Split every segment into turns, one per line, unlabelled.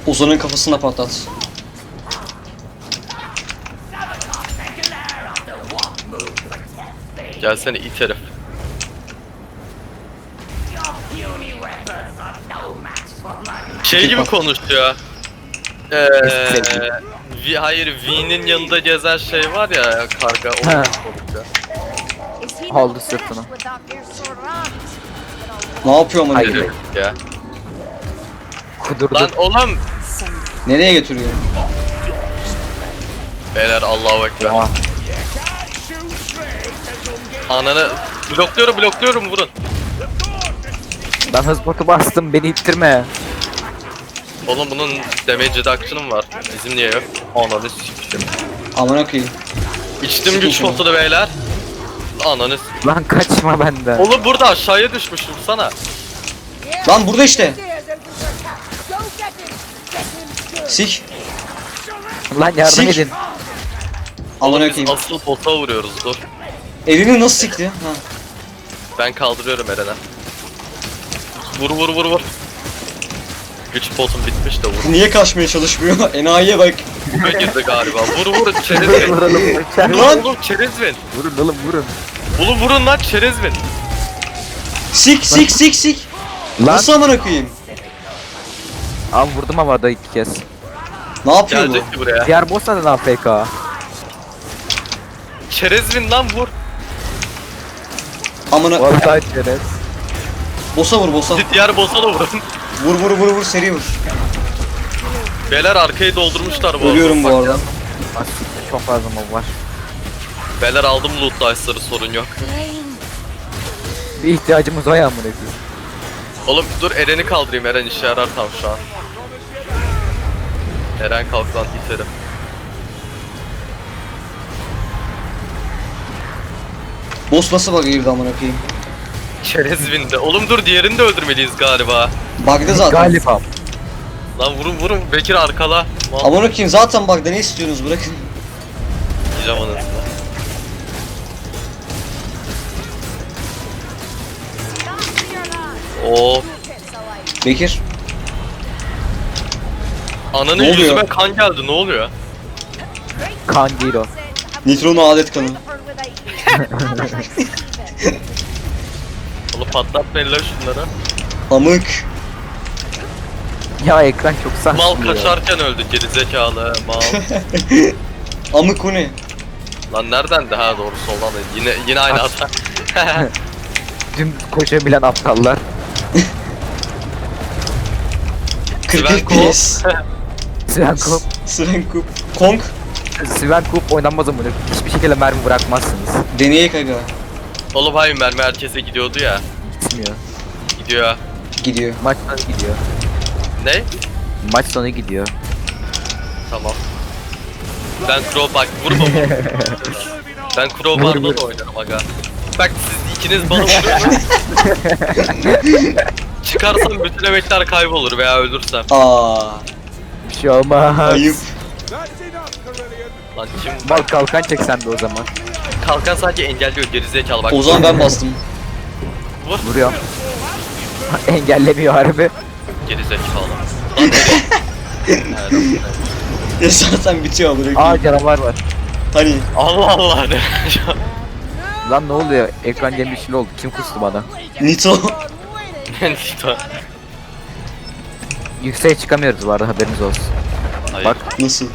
Ozan'ın kafasına patlat.
Gelsene it herif. Şey gibi konuşuyor. Hayır, V'nin yanında gezen şey var ya, karga, o
Ha.
konuşuyor.
Aldı sırtına.
Ne yapıyor amına
Hayır.
koyayım?
Ya.
Kudurdu.
Lan oğlum.
Nereye götürüyor?
Beyler, Allahu Ekber.
Oha.
Ananı blokluyorum, vurun.
Ben hız botu bastım, beni ittirme.
Oğlum bunun damage reduction'ı var. Bizim niye yok? Ananı s**tim.
Amına koyayım.
İçtim güç potunu beyler. Ananı s**tim.
Lan kaçma benden.
Oğlum burada aşağıya düşmüşüm sana.
Lan burada işte. Sik.
Lan yardım
Sik.
edin.
Amına
Oğlum biz
koyayım.
asıl bota vuruyoruz, dur.
Elini nasıl sikti? Ha.
Ben kaldırıyorum Eren'e. Vur. Güç potum bitmiş de vur.
Niye kaçmaya çalışmıyor? Enayiye bak.
Buga girdi galiba. Vur çerezvin.
Vuralım.
Lan!
Oğlum çerezvin.
Vurun oğlum vurun.
Oğlum vurun lan çerezvin.
Sik.
Lan
Nasıl amına koyayım?
abi vurdum havada 2 kez.
Ne yapıyor bu?
Gelecek ki buraya.
Diğer boss da lan FK.
Çerezvin lan vur.
Amına.
Vallahi çerez.
Bossa vur bossa.
Diğer boss'a da vurun.
Vur seri vur.
Beyler arkayı doldurmuşlar bu arada.
Ölüyorum bu arada.
Aslında çok fazla mob var.
Beyler aldım loot dice'ları, sorun yok.
Bir ihtiyacımız var ya amına koyayım.
Oğlum dur Eren'i kaldırayım, Eren işe yarar tam şu an. Eren kalk lan iterim.
Boss nasıl bug'a girdi amına koyayım?
Çerezvin'de. Oğlum dur, diğerini de öldürmeliyiz galiba.
Bug'da zaten.
Galiba.
Lan vurun Bekir arkala. Mal
Amına koyayım zaten bug'da, ne istiyorsunuz, bırakın.
diyeceğim anasını. Oo,
Bekir.
ananın
Ne oluyor?
yüzüme kan geldi, ne oluyor?
Kan değil o.
Nitronun adet kanı.
Oğlum patlatmayın lan şunları.
Amık.
Ya ekran çok saçma.
Mal kaçarken öldü gerizekalı mal.
Amık o ne?
Lan nereden de, ha doğru soldan da yine aynı hata.
Tüm koşabilen aptallar.
40
Svenko.
FPS.
Svenkup.
Svenkup. Kong.
Svenkup oynanmaz amına. Hiçbir şekilde mermi bırakmazsınız.
Deneyek aga.
Oğlum hayır, mermi herkese gidiyordu ya.
Gitmiyor.
Gidiyor.
Gidiyor.
Maç sonu gidiyor.
Ne?
Maç sonu gidiyor.
Tamam. Ben bak vurma. Ben crowbar'la da oynarım aga. Bak siz ikiniz bana vuruyorsunuz. Çıkarsam bütün emekler kaybolur veya ölürsem.
Aa.
Bir şey olmaz.
Ayıp.
Lan kim?
Mal kalkan çek sen de o zaman.
Kalkan sadece engelliyor gerizekalı bak.
O zaman ben bastım.
Vuruyor. Engellemiyor harbi.
Gerizekalı. Lan nereye?
Ya zaten bitiyor amına
Aa
koyayım.
canavar var.
Hani.
Allah Allah ne?
Lan ne oluyor? Ekran yemişil oldu. Kim kustu bana?
Nito.
Nito.
Yükseğe çıkamıyoruz bu arada, haberiniz olsun.
Hayır.
Bak.
Nasıl?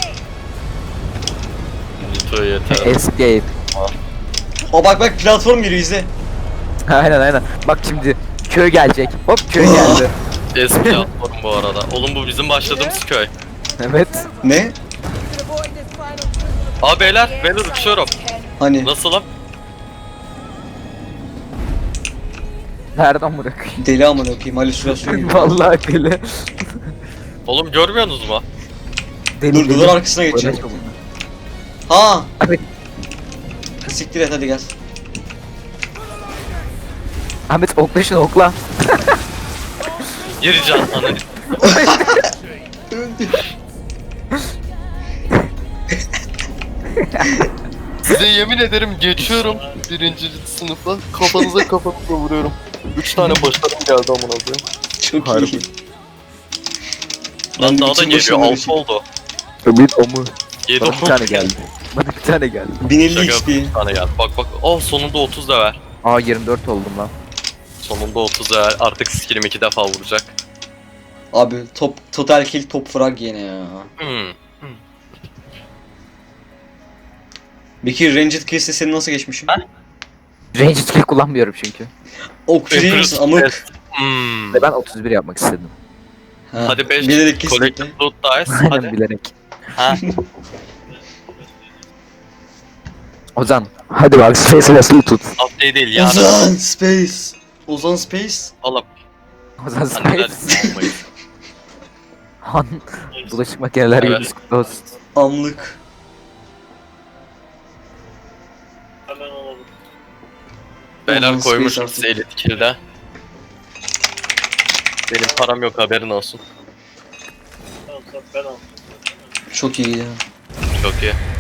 Nito yeter.
Escape.
O bak platform giriyor, izle.
Aynen. Bak şimdi köy gelecek. Hop köy geldi.
Eski platform bu arada. Oğlum bu bizim başladığımız köy.
Evet.
Ne?
Aa beyler uçuyorum.
Hani?
Nasılım?
Nereden bırakayım?
Deli amına koyayım, halüsinasyon gibi.
Vallahi deli.
Oğlum görmüyorsunuz mu?
Deli
Dur duvar arkasına geçeceğim.
Uğraşma bununla.
Ha.
Ahmet,
Siktir et hadi gel.
Ahmet okla şunu okla.
Geri can ananı.
Öldü.
Size yemin ederim geçiyorum birinci sınıfa. Kafanıza vuruyorum. 3 tane başarım geldi amına koyayım.
Çok
Harbi.
iyi.
Lan
Ben
daha da
bütün
geliyor.
başarıları
6
için.
oldu.
Ümit o mu?
7
Bana
oldu.
bir tane geldi. Bana bir tane geldi.
1050
Şaka
XP.
yapıyorum, bir tane geldi. Bak bak. Oh sonunda 30 level.
Aa 24 oldum lan.
Sonunda 30 level. Artık skillim 2 defa vuracak.
Abi total kill top frag yine ya.
Hmm.
Peki Ranged Quest'e senin nasıl geçmişim?
Ranged skill kullanmıyorum çünkü.
Okçu musun amık?
Hmm.
Ve ben 31 yapmak istedim.
Ha,
Hadi 5
bilerek kesinlikle.
collective loot dice.
Aynen
Hadi.
bilerek.
Ha.
Ozan hadi bak Space Vessel'ı tut.
Update değil yani.
Ozan Space. Ozan Space.
Valla
Ozan
anneler
Space.
olmayız.
Han. Bulaşık makineler
Evet.
gününüz kutlu olsun.
Amlık.
Beyler
Ozan
koymuşum
Space
size elit kill'de. Benim param yok haberin olsun.
Çok iyi ya.
Çok iyi.